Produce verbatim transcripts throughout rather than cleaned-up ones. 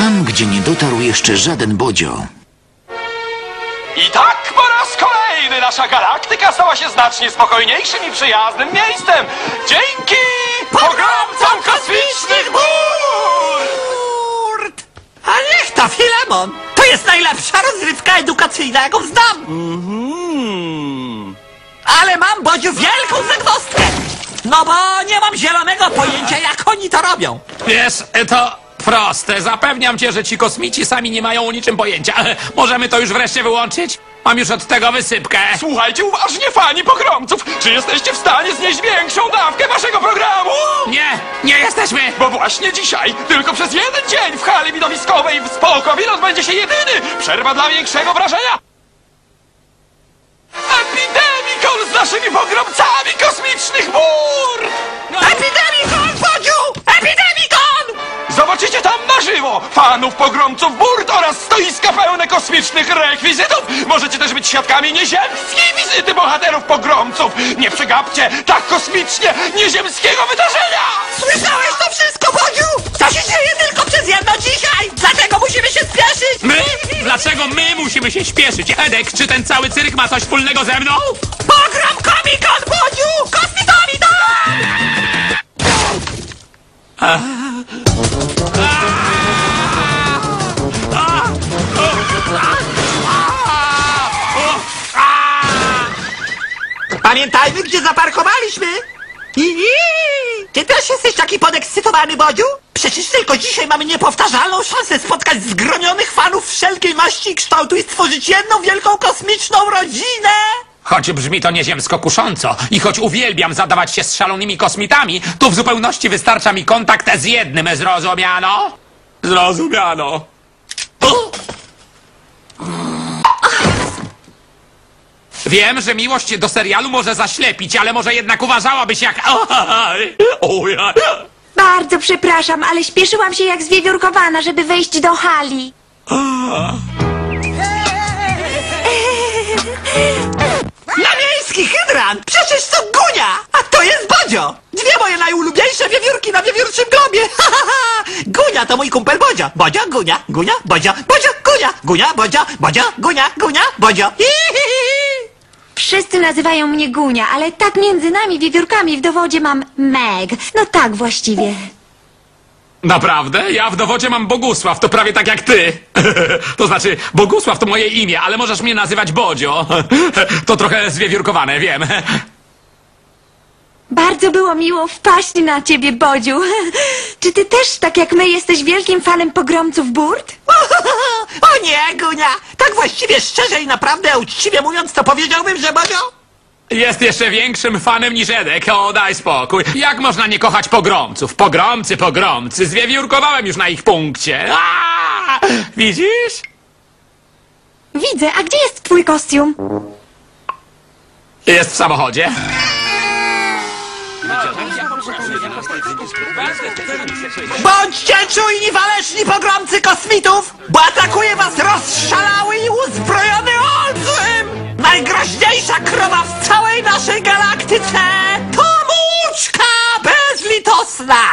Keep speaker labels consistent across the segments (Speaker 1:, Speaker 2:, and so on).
Speaker 1: tam, gdzie nie dotarł jeszcze żaden Bodzio.
Speaker 2: I tak po raz kolejny nasza galaktyka stała się znacznie spokojniejszym i przyjaznym miejscem. Dzięki pogromcom kosmicznych burt!
Speaker 3: A niech to, Filemon! To jest najlepsza rozrywka edukacyjna, jaką znam!
Speaker 2: Mm.
Speaker 3: Ale mam, Bodziu, wielką zagwozdkę! No bo nie mam zielonego pojęcia, jak oni to robią.
Speaker 4: Wiesz, to proste. Zapewniam cię, że ci kosmici sami nie mają o niczym pojęcia. Możemy to już wreszcie wyłączyć? Mam już od tego wysypkę.
Speaker 2: Słuchajcie uważnie, fani pogromców! Czy jesteście w stanie znieść większą dawkę waszego programu?
Speaker 4: Nie, nie jesteśmy!
Speaker 2: Bo właśnie dzisiaj, tylko przez jeden dzień w hali widowiskowej w Spokowi odbędzie się jedyny przerwa dla większego wrażenia Epidemikon z naszymi pogromcami kosmicznych bur!
Speaker 3: Epidemikon, Bodziu! Epidemikon!
Speaker 2: Zobaczycie tam na żywo fanów pogromców burt oraz stoiska pełne kosmicznych rekwizytów. Możecie też być świadkami nieziemskiej wizyty bohaterów pogromców. Nie przegapcie tak kosmicznie nieziemskiego wydarzenia!
Speaker 3: Słyszałeś to wszystko, Bodziu? To się dzieje tylko przez jedno dzisiaj! Dlatego musimy się spieszyć!
Speaker 4: My? Dlaczego my musimy się śpieszyć? Edek, czy ten cały cyrk ma coś wspólnego ze mną?
Speaker 3: Pogrom Komikon, Bodziu! Kosmitomidon! Pamiętajmy, gdzie zaparkowaliśmy! Iii! Ty też jesteś taki podekscytowany, Bodziu? Przecież tylko dzisiaj mamy niepowtarzalną szansę spotkać zgronionych fanów wszelkiej maści i kształtu i stworzyć jedną wielką kosmiczną rodzinę!
Speaker 4: Choć brzmi to nieziemsko kusząco i choć uwielbiam zadawać się z szalonymi kosmitami, to w zupełności wystarcza mi kontakt z jednym, zrozumiano? Zrozumiano. Wiem, że miłość do serialu może zaślepić, ale może jednak uważałabyś jak...
Speaker 5: Bardzo przepraszam, ale śpieszyłam się jak zwiewiórkowana, żeby wejść do hali.
Speaker 3: Na miejski hydrant! Przecież to Gunia! A to jest Bodzio! Dwie moje najulubieńsze wiewiórki na wiewiórczym globie! Gunia to mój kumpel Bodzio! Bodzio, Gunia, Gunia, Bodzio, Bodzio, Gunia, Gunia, Bodzio, Bodzio, Gunia, Gunia, Bodzio.
Speaker 5: Wszyscy nazywają mnie Gunia, ale tak między nami wiewiórkami w dowodzie mam Meg. No tak właściwie.
Speaker 4: Naprawdę? Ja w dowodzie mam Bogusław, to prawie tak jak ty. To znaczy, Bogusław to moje imię, ale możesz mnie nazywać Bodzio. To trochę zwiewiórkowane, wiem.
Speaker 5: Bardzo było miło wpaść na ciebie, Bodziu. Czy ty też, tak jak my, jesteś wielkim fanem pogromców burt?
Speaker 3: O nie, Gunia! Tak właściwie szczerze i naprawdę uczciwie mówiąc, to powiedziałbym, że Bodzio...
Speaker 4: Jest jeszcze większym fanem niż Edek, o daj spokój. Jak można nie kochać pogromców? Pogromcy, pogromcy, zwiewiórkowałem już na ich punkcie. Aaaa! Widzisz?
Speaker 5: Widzę, a gdzie jest twój kostium?
Speaker 4: Jest w samochodzie.
Speaker 3: Bądźcie czujni, waleczni pogromcy kosmitów, bo atakuje was rozszalały i uzbrojony olbrzym! Najgroźniejsza krowa w całej naszej galaktyce to Mućka bezlitosna!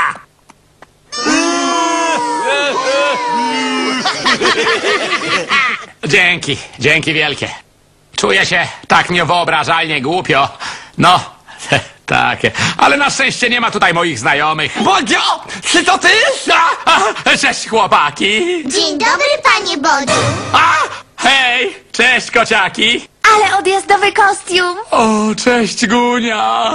Speaker 4: Dzięki, dzięki wielkie. Czuję się tak niewyobrażalnie głupio. No, tak, ale na szczęście nie ma tutaj moich znajomych.
Speaker 3: Bodzio, czy to ty?
Speaker 4: A, a, cześć chłopaki.
Speaker 6: Dzień dobry, panie Bodziu.
Speaker 4: A, hej, cześć kociaki.
Speaker 5: Ale odjazdowy kostium!
Speaker 4: O, cześć Gunia.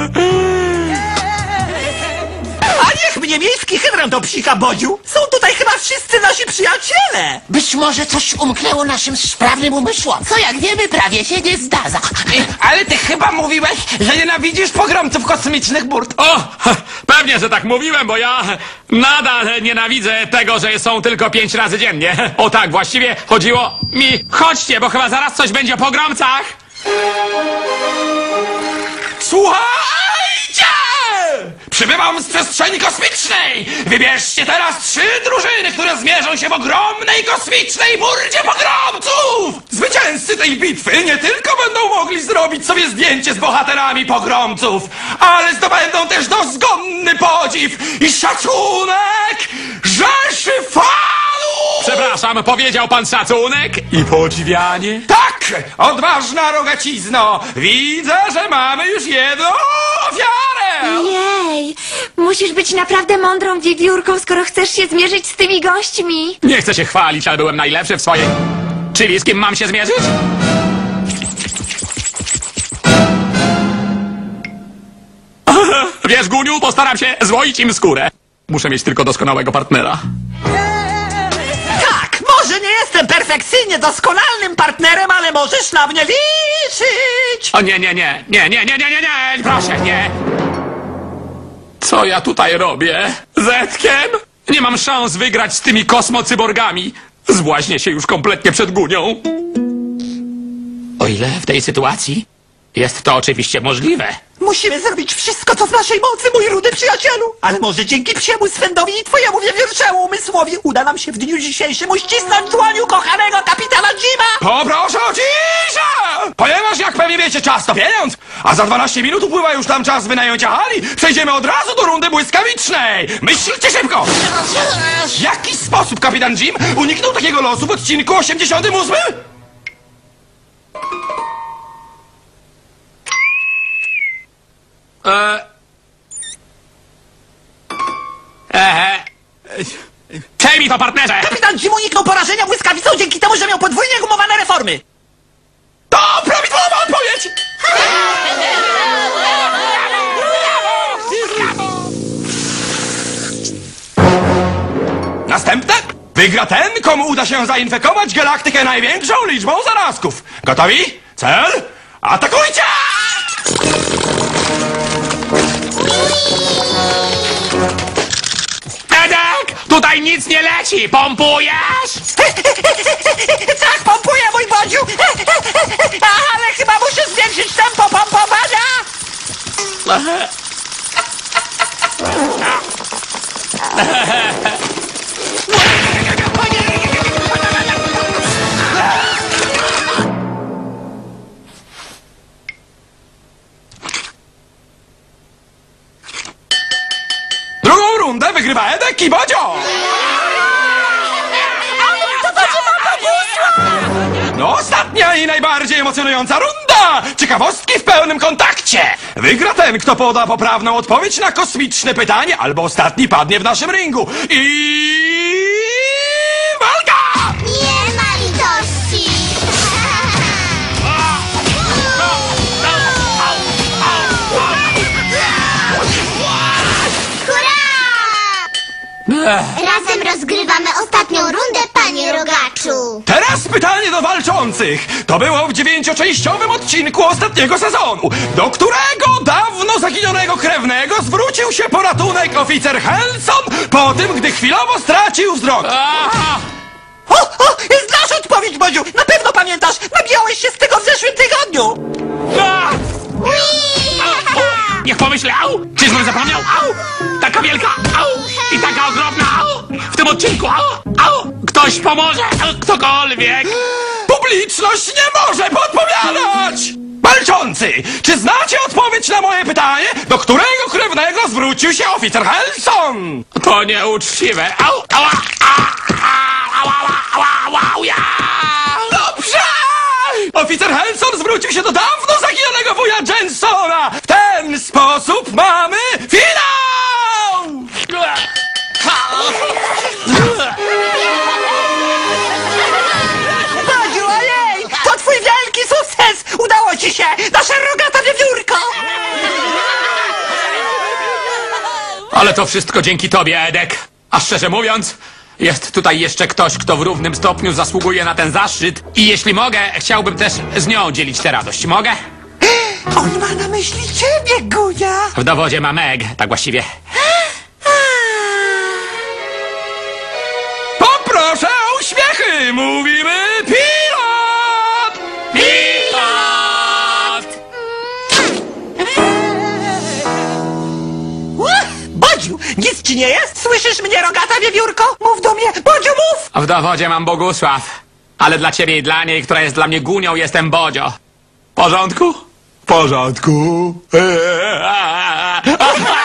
Speaker 3: A niech mnie miejski hydrant obsika, Bodziu! Są tutaj chyba wszyscy nasi przyjaciele!
Speaker 7: Być może coś umknęło naszym sprawnym umysłom. Co jak wiemy, prawie się nie zdarza.
Speaker 8: Ale ty chyba mówiłeś, że nienawidzisz pogromców kosmicznych burt.
Speaker 4: O, pewnie, że tak mówiłem, bo ja nadal nienawidzę tego, że są tylko pięć razy dziennie. O tak, właściwie chodziło mi... Chodźcie, bo chyba zaraz coś będzie o pogromcach.
Speaker 2: Słuchajcie! Przybywam z przestrzeni kosmicznej! Wybierzcie teraz trzy drużyny, które zmierzą się w ogromnej kosmicznej burdzie pogromców! Zwycięzcy tej bitwy nie tylko będą mogli zrobić sobie zdjęcie z bohaterami pogromców, ale zdobędą też dozgonny podziw i szacunek rzeszy fanów
Speaker 4: Przepraszam, powiedział pan szacunek i podziwianie?
Speaker 2: Tak! Odważna rogacizno! Widzę, że mamy już jedną ofiarę!
Speaker 5: Jej, musisz być naprawdę mądrą wiewiórką, skoro chcesz się zmierzyć z tymi gośćmi.
Speaker 4: Nie chcę się chwalić, ale byłem najlepszy w swojej... Czyli z kim mam się zmierzyć? Wiesz, Guniu, postaram się złoić im skórę. Muszę mieć tylko doskonałego partnera.
Speaker 3: Tak, może nie jestem perfekcyjnie doskonalnym partnerem, ale możesz na mnie liczyć!
Speaker 4: O nie, nie, nie, nie, nie, nie, nie, nie, nie, proszę, nie. Co ja tutaj robię? Zetkiem? Nie mam szans wygrać z tymi kosmocyborgami. Zbłaźnię się już kompletnie przed Gunią. O ile w tej sytuacji jest to oczywiście możliwe.
Speaker 3: Musimy zrobić wszystko, co w naszej mocy, mój rudy przyjacielu! Ale może dzięki psiemu swędowi i twojemu wiewiórczemu umysłowi uda nam się w dniu dzisiejszym uścisnąć dłoniu kochanego kapitana Jima!
Speaker 2: Poproszę o ciszę! Ponieważ jak pewnie wiecie, czas to pieniądz, a za dwanaście minut upływa już tam czas wynajęcia hali, przejdziemy od razu do rundy błyskawicznej! Myślcie szybko! W jaki sposób kapitan Jim uniknął takiego losu w odcinku osiemdziesiątym ósmym?
Speaker 4: Eee... Eee... Przejmij to, partnerze!
Speaker 3: Kapitan Jim uniknął porażenia błyskawicą dzięki temu, że miał podwójnie gumowane reformy!
Speaker 2: To prawidłowa odpowiedź! Następne wygra ten, komu uda się zainfekować galaktykę największą liczbą zarazków. Gotowi? Cel? Atakujcie!
Speaker 4: Edek! Tutaj nic nie leci! Pompujesz?
Speaker 3: Tak, pompuję, mój bodziu! Ale chyba muszę zwiększyć tempo pompowania!
Speaker 2: Drugą rundę wygrywa Edek i Bodzio! No, ostatnia i najbardziej emocjonująca runda! Ciekawostki w pełnym kontakcie! Wygra ten, kto poda poprawną odpowiedź na kosmiczne pytanie, albo ostatni padnie w naszym ringu. I... walka!
Speaker 6: Nie ma litości! Hurra! Razem rozgrywamy ostatnią rundę, panie Rogaczu!
Speaker 2: Teraz pytanie do walczących. To było w dziewięcioczęściowym odcinku ostatniego sezonu, do którego dawno zaginionego krewnego zwrócił się po ratunek oficer Helson po tym, gdy chwilowo stracił wzrok.
Speaker 4: Aha!
Speaker 3: O, o, znasz odpowiedź, Bodziu! Na pewno pamiętasz! Nabijałeś się z tego w zeszłym tygodniu!
Speaker 4: A! Niech pomyślę, au! Czyżbym zapomniał? Au! Taka wielka, au! I taka ogromna, au! W tym odcinku, au! Au! Ktoś pomoże! Ktokolwiek!
Speaker 2: Publiczność nie może podpowiadać! Walczący, czy znacie odpowiedź na moje pytanie, do którego krewnego zwrócił się oficer Helson?
Speaker 4: To nieuczciwe! Au! Ała! A! A! Ała! Ała! Ała! Ała! Ja!
Speaker 2: Dobrze! Oficer Helson zwrócił się do dawno zaginionego wuja Jensona. W ten sposób mamy finał!
Speaker 3: Bodziu, ojej! To twój wielki sukces! Udało ci się! Nasza rogata wiewiórko!
Speaker 4: Ale to wszystko dzięki tobie, Edek. A szczerze mówiąc, jest tutaj jeszcze ktoś, kto w równym stopniu zasługuje na ten zaszczyt. I jeśli mogę, chciałbym też z nią dzielić tę radość. Mogę?
Speaker 3: On ma na myśli ciebie, Gunia!
Speaker 4: W dowodzie ma Meg, tak właściwie.
Speaker 2: Poproszę o uśmiechy! Mówimy pilot!
Speaker 4: Pilot!
Speaker 3: Bodziu, nic ci nie jest? Słyszysz mnie, rogata wiewiórko? Mów do mnie! Bodziu, mów!
Speaker 4: W dowodzie mam Bogusław. Ale dla ciebie i dla niej, która jest dla mnie Gunią, jestem Bodzio. W porządku? W porządku.